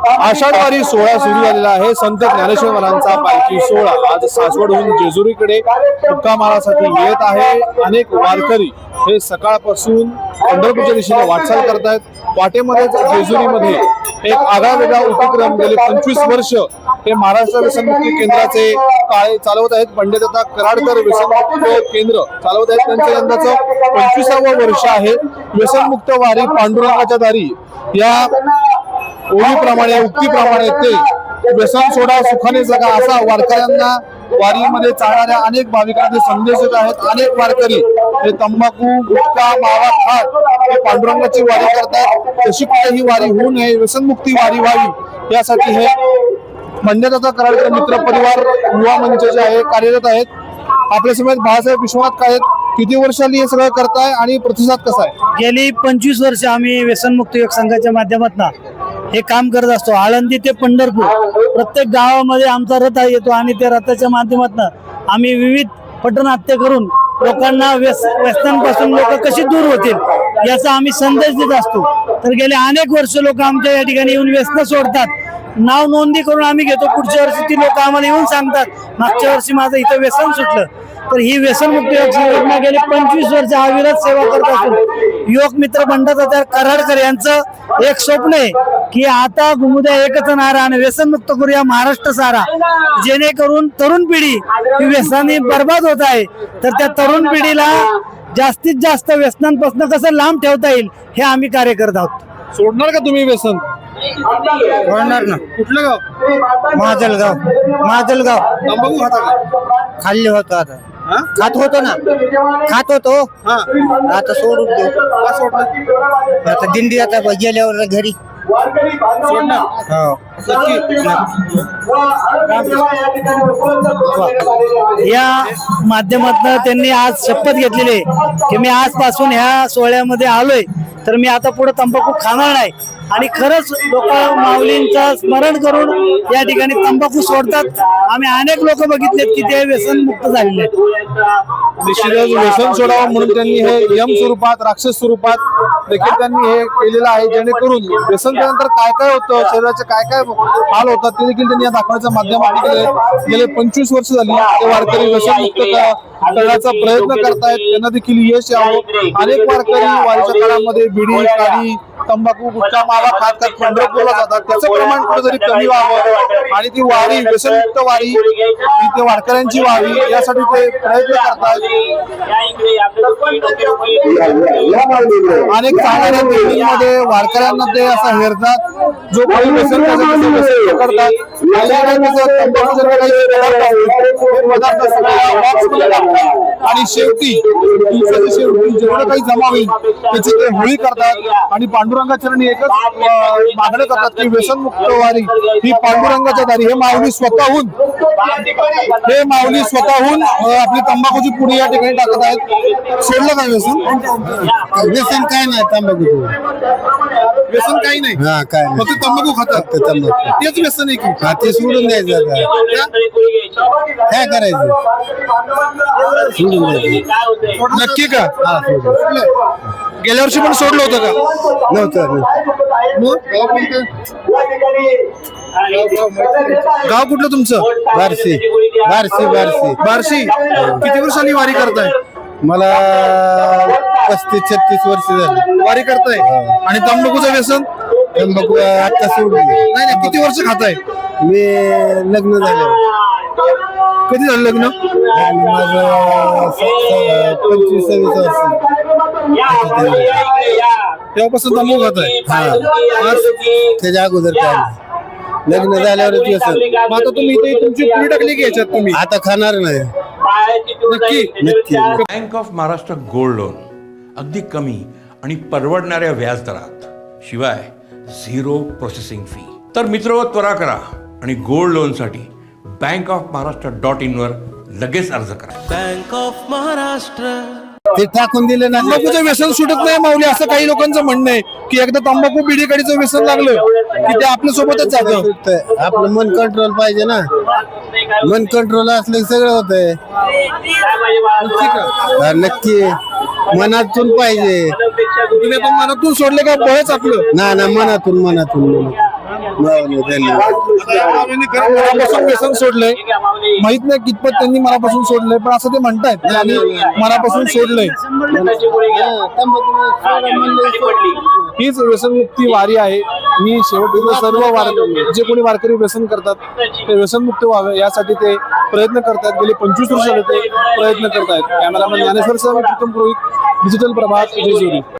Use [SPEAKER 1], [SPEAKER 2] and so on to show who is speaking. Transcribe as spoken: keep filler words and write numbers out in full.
[SPEAKER 1] आषाढवारी सोहळा सुरू झालेला आहे। संत ज्ञानेश्वर महाराजांचा पालखी सोहळा आज सासवडहून जेजुरीकडे मुक्कामासाठी येत आहे। अनेक वारकरी हे सकाळपासून पंढरपूरच्या दिशेने वाटचाल करतायत। वाटेमध्ये जेजुरीमध्ये एक आगळा वेगळा उपक्रम गेले पंचवीस वर्ष हे महाराष्ट्र व्यसनमुक्ती केंद्राचे काळे चालवत आहेत। पंडितदादा कराडकर व्यसनमुक्त केंद्र चालवत आहेत। त्यांचं यंदाचं पंचवीसावं वर्ष आहे। व्यसनमुक्त वारी पांडुरंगाच्या दारी या ओळीप्रमाणे उक्तीप्रमाणे ते व्यसन सोडा सुखाने जगा असा वारकऱ्यांना वारीमध्ये चालणाऱ्या अनेक भाविकांना ते संदेश देत आहेत। अनेक वारकरी हे तंबाखू गुटखा मावा खात हे पांडुरंगाची वारी करतात। तशी कुठेही वारी होऊ नये, व्यसनमुक्ती वारी व्हावी यासाठी हे पंडितदादा कराडकर मित्र परिवार युवा मंच जे आहे कार्यरत आहेत। आपल्या समेत बाळासाहेब विश्वनाथ काय किती वर्षांनी हे सगळं करताय आणि प्रतिसाद कसा आहे?
[SPEAKER 2] गेली पंचवीस वर्ष आम्ही व्यसनमुक्त योग संघाच्या माध्यमातून हे काम करत असतो। आळंदी ते पंढरपूर प्रत्येक गावामध्ये आमचा रथ येतो आणि त्या रथाच्या माध्यमातून आम्ही विविध पटनाट्य करून लोकांना व्यस व्यसनांपासून लोक कशी दूर होतील याचा आम्ही संदेश देत असतो। तर गेले अनेक वर्ष लोक आमच्या या ठिकाणी येऊन व्यसन सोडतात, नाव नोंदणी करून आम्ही घेतो। पुढच्या वर्षी ती लोक आम्हाला येऊन सांगतात मागच्या वर्षी माझं इथं व्यसन सुटलं। तर ही व्यसनमुक्त योग संघटना गेली पंचवीस वर्ष अविरत सेवा करत असून योग मित्र पंडितदादा कराडकर यांचं एक स्वप्न आहे की आता घुमुद्या एकच नारा आणि व्यसनमुक्त करूया महाराष्ट्र सारा, जेणेकरून तरुण पिढी ही व्यसनाने बर्बाद होत आहे। तर त्या तरुण पिढीला जास्तीत जास्त व्यसनांपासून कसं लांब ठेवता येईल हे आम्ही कार्य करत आहोत।
[SPEAKER 1] सोडणार का तुम्ही व्यसन?
[SPEAKER 2] सोडणार ना।
[SPEAKER 1] कुठलं गाव?
[SPEAKER 2] महाजलगाव। महाजलगाव
[SPEAKER 1] तंबाखू खाता का?
[SPEAKER 2] खाल्ले होतो आता खात होतो ना खात होतो आता सोडून देऊ। आता दिंडी आता गेल्यावर घरी या माध्यमातून त्यांनी आज शपथ घेतलेली आहे की मी आजपासून ह्या सोहळ्यामध्ये आलोय तर मी आता पुढे तंबाखू खाणार नाही। आणि खरंच लोक माऊलींचं स्मरण करून या ठिकाणी तंबाखू सोडतात। आम्ही अनेक लोक बघितलेत की ते व्यसन मुक्त झालेले आहेत।
[SPEAKER 1] निश्चितच व्यसन सोडावं म्हणून त्यांनी हे यम स्वरूपात राक्षस स्वरूपात देखील त्यांनी हे केलेलं आहे, जेणेकरून व्यसन केल्यानंतर काय काय होतं, शरीराचे काय काय हाल होतात ते देखील त्यांनी या दाखवण्याच्या माध्यमातून केले। गेले पंचवीस वर्ष झाली ते वारकरी व्यसन मुक्त करण्याचा प्रयत्न करतायत, त्यांना देखील यश यावं। अनेक वारकरी वारीच्या काळामध्ये बिडी काडी तंबाखू गुटखा मावा खात खात पंढरपूरला जातात, त्याचं प्रमाण कुठेतरी कमी व्हावं आणि ती वारी व्यसनमुक्त वारी ती वारकऱ्यांची व्हावी यासाठी ते प्रयत्न करतात। अनेक चांगल्या दिंडीमध्ये वारकऱ्यांना ते असं हेरतात, जो काही व्यसन करतात आणि शेवटी शेवटी जेवढं काही जमा होईल त्याची ते होळी करतात आणि पांडुरंगाच्या चरणी एकच मागणी करतात की व्यसनमुक्त वारी ही पांडुरंगाच्या दारी। हे माऊली स्वतःहून हे माऊली स्वतःहून आपली तंबाखूची पुडी या ठिकाणी टाकत आहेत। सोडलं काय व्यसन?
[SPEAKER 2] व्यसन काय नाही, तंबाखू
[SPEAKER 1] व्यसन काही नाही,
[SPEAKER 2] काय
[SPEAKER 1] फक्त तंबाखू खातात, तेच व्यसन आहे की
[SPEAKER 2] ते सोडून द्यायचं काय करायचं? सोडून द्यायचं
[SPEAKER 1] नक्की का? गेल्या वर्षी पण सोडलं होतं का?
[SPEAKER 2] नव्हतं।
[SPEAKER 1] गाव कुठलं तुमचं?
[SPEAKER 2] बार्शी बार्शी बार्शी
[SPEAKER 1] बार्शी। किती वर्षांनी वारी करताय?
[SPEAKER 2] मला पस्तीस छत्तीस वर्ष झाली
[SPEAKER 1] वारी करताय आणि तंबाखूचं व्यसन?
[SPEAKER 2] तंबाखू आता सोडून
[SPEAKER 1] नाही नाही, किती वर्ष खाताय?
[SPEAKER 2] मी लग्न झालं।
[SPEAKER 1] कधी झालं लग्न?
[SPEAKER 2] माझं पंचवीस सव्वीस वर्ष
[SPEAKER 1] तेव्हापासून तंबाखू खाताय?
[SPEAKER 2] त्याच्या अगोदर काय नाही, लग्न झाल्यावरच व्यसन।
[SPEAKER 1] मग आता तुम्ही इथे तुमची पुडी टाकली की याच्यात तुम्ही?
[SPEAKER 2] आता खाणार नाही
[SPEAKER 1] नक्की
[SPEAKER 2] नक्की।
[SPEAKER 3] Bank of Maharashtra gold loan अगदी कमी आणि परवडणाऱ्या व्याजदरात, शिवाय झिरो प्रोसेसिंग फी। तर मित्र त्वरा करा आणि गोल्ड लोन साठी bank of Maharashtra dot in वर लगेच अर्ज करा।
[SPEAKER 4] बँक ऑफ महाराष्ट्र
[SPEAKER 2] ते टाकून दिले ना।
[SPEAKER 1] तंबाखूचं व्यसन सुटत नाही माऊली असं काही लोकांचं म्हणणं आहे की एकदा तंबाखू बिडी काडीचं व्यसन लागलं की ते आपल्या सोबतच जातं।
[SPEAKER 2] आपलं मन कंट्रोल पाहिजे ना, मन कंट्रोल असलं सगळं होतंय। नक्की मनातून पाहिजे।
[SPEAKER 1] तुम्ही आता मनातून सोडले का बळच आपलं?
[SPEAKER 2] ना ना मनातून मनातून
[SPEAKER 1] आता या माऊलींनी खरं मनापासून व्यसन सोडलंय, माहित नाही कितपत त्यांनी मनापासून सोडलंय, पण असं ते म्हणतायत की आम्ही मनापासून सोडलंय. हीच व्यसनमुक्ती वारी आहे. मी शेवटी सर्व वार जे कोणी वारकरी व्यसन करतात ते व्यसनमुक्त व्हावे यासाठी ते प्रयत्न करतात. गेले पंचवीस वर्ष ते प्रयत्न करतायत. कॅमेरामॅन ज्ञानेश्वर सह मी प्रीतम पुरोहित, डिजिटल प्रभात, जेजुरी.